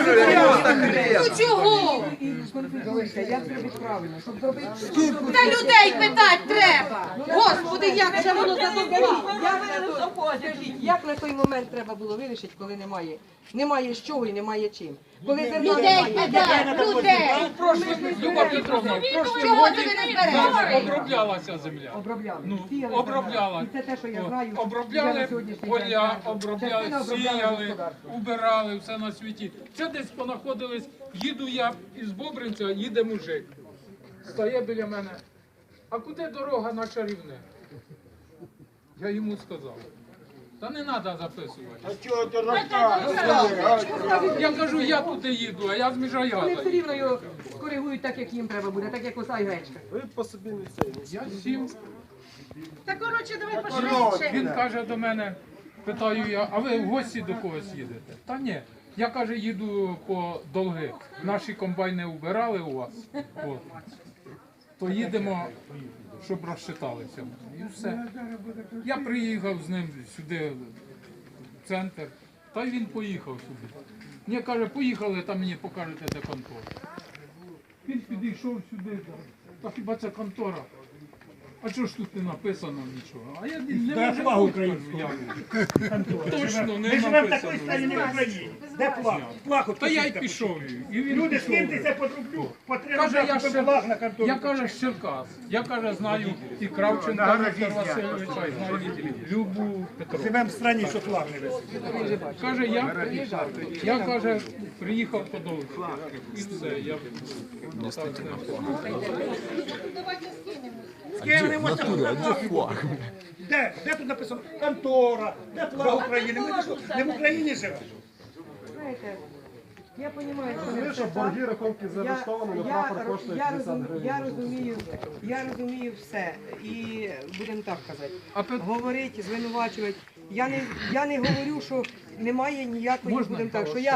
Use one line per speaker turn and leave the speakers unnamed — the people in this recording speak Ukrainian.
Ну чого?
Як зробити правильно, щоб зробити...
Та людей питати треба. Господи, як же воно задовбало.
Як на той момент треба було вирішити, коли немає з чого і немає чим? Коли
Людей питати, людей.
Люба Петровна,
Чого ти не збереш?
оброблялася земля.
обробляли.
Ну,
Сіяли,
обробляла.
І це те, що я
О,
знаю.
обробляли
я на сьогоднішній
поля,
день знаю.
обробляли,
Частина обробляла
сіяли,
господарство.
убирали, все на світі. Це десь понаходились, їду я із Бобринця, їде мужик. Стає біля мене. А куди дорога на Чарівне? Я йому сказав. Та не треба записувати. Я кажу, я туди їду, а я з
Вони
Міжаяда.
все рівно його скоригують так, як їм треба буде, так як оса і гречка.
Я сів.
Та коротше, давай пошвидше.
Він каже до мене, питаю я, а ви в гості до когось їдете? Та ні. Я, каже, їду по долги. Наші комбайни убирали у вас. От. То їдемо, щоб розчиталися. І все. Я приїхав з ним сюди, в центр, та й він поїхав сюди. Мені каже, поїхали, там мені покажете, де контора. Він підійшов сюди, та хіба це контора? А чого ж тут не написано нічого? А я не можу кажу, я. Точно не
Ми живемо в такій
написано.
країні в Україні. Де флаг? Флаг от
Та я й
посвітьте.
пішов. І він
Люди,
пішов.
скиньтеся по рублю, по 3
Каже,
рубля,
я
купи
ще
флаг на контору.
я каже з Черкас. Я каже, знаю і Кравченка Віктора Васильовича, і знаю Любу Петровну.
Живемо в країні, що флаг не висить.
Каже, я каже, приїхав по довгу. І все, я так з ним.
Скинемося. Де? Де тут написано контора? Де флаг України? Ми що, не в Україні живемо?
Знаєте, я розумію, що не
Розумієш, що
все
борги,
так.
рахунки зареєстровані, на прапор коштує 50 гривень.
Я розумію все. І будемо так казати.
А пи-
Говорити, звинувачувати. Я не говорю, що немає ніякої,
Можна?
будемо так, що я